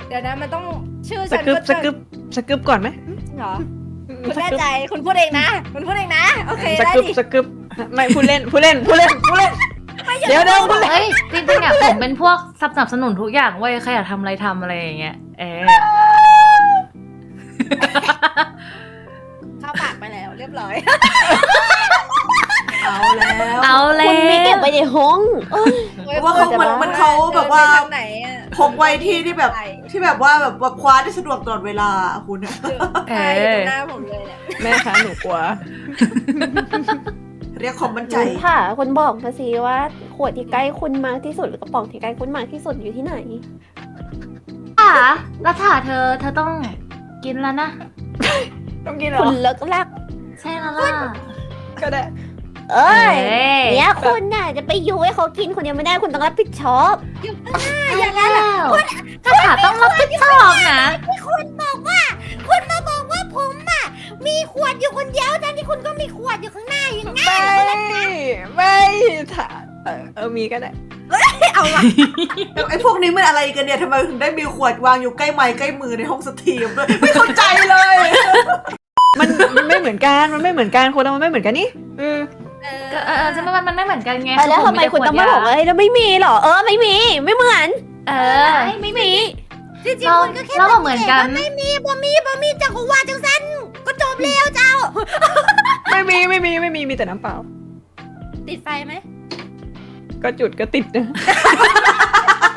เดี๋ยวนะมันต้องชื่อสฉันกึบก็สกึบสกึบก่อนไหมเหรอคุณแน่ใจคุณพูดเองนะคุณพูดเองนะโอเคสได้กึบดิสกึบไม่ผู้เล่นเดี๋ยวพูดเล่นเฮ้ยจริงๆอ่ะผมเป็นพวกสนับสนุนทุกอย่างเว้ยใครอยากทำอะไรทำอะไรอย่างเงี้ยเข้าปากไปแล้วเรียบร้อยเอาแล้วเอาแล้คุณไม่เก็บวไว้ในห้องเพราะว่าเขาเหมือนเขาแบบว่าเดินไปทางไหนอะพกไว้ที่แบบว่าแบบคว้าได้สะดวกตลอดเวลาคุณอะใช่อยู่ตรงหน้าผมเลยเนี่ยแม่คะหนูกลัวเรียกความมั่นใจค่ะคุณบอกมาสิว่าขวดที่ใกล้คุณมากที่สุดหรือกระป๋องที่ใกล้คุณมากที่สุดอยู่ที่ไหนแล้วถ่าเธอต้องกินแล้วนะต้องกินเหรคุอณเลิกลักใช่แล้วล่ะก็ได้เอ้ยเอ้ยเนี่ยคุณน่ะจะไปยุให้เขากินคนเดียวไม่ได้คุณต้องรับผิดชอบอย่างนั้นแล้วก็ถ่าต้องรับผิดชอบนะคุณมาบอกว่าผมอ่ะมีขวดอยู่คนเดียวทั้งที่คุณก็มีขวดอยู่ข้างหน้าอย่างงั้นไม่ถ้ามีก็ได้เอาละไอ้พวกนี้มันอะไรกันเนี่ยทำไมถึงได้มีขวดวางอยู่ใกล้ไม้ใกล้มือในห้องสตรีมด้วยไม่เข้าใจเลยมันไม่เหมือนกันคนเรามันไม่เหมือนกันนี่ก็จะมันไม่เหมือนกันไงแล้วทำไมคุณต้องมาบอกว่าแล้วไม่มีหรอไม่มีไม่เหมือนไม่มีจริงๆคุณก็แค่เราก็เหมือนกันไม่มีบ่มีจังก็ว่าจังสั้นก็จบแล้วเจ้าไม่มีมีแต่น้ำเปล่าติดไฟไหมก็จุดก็ติดนะ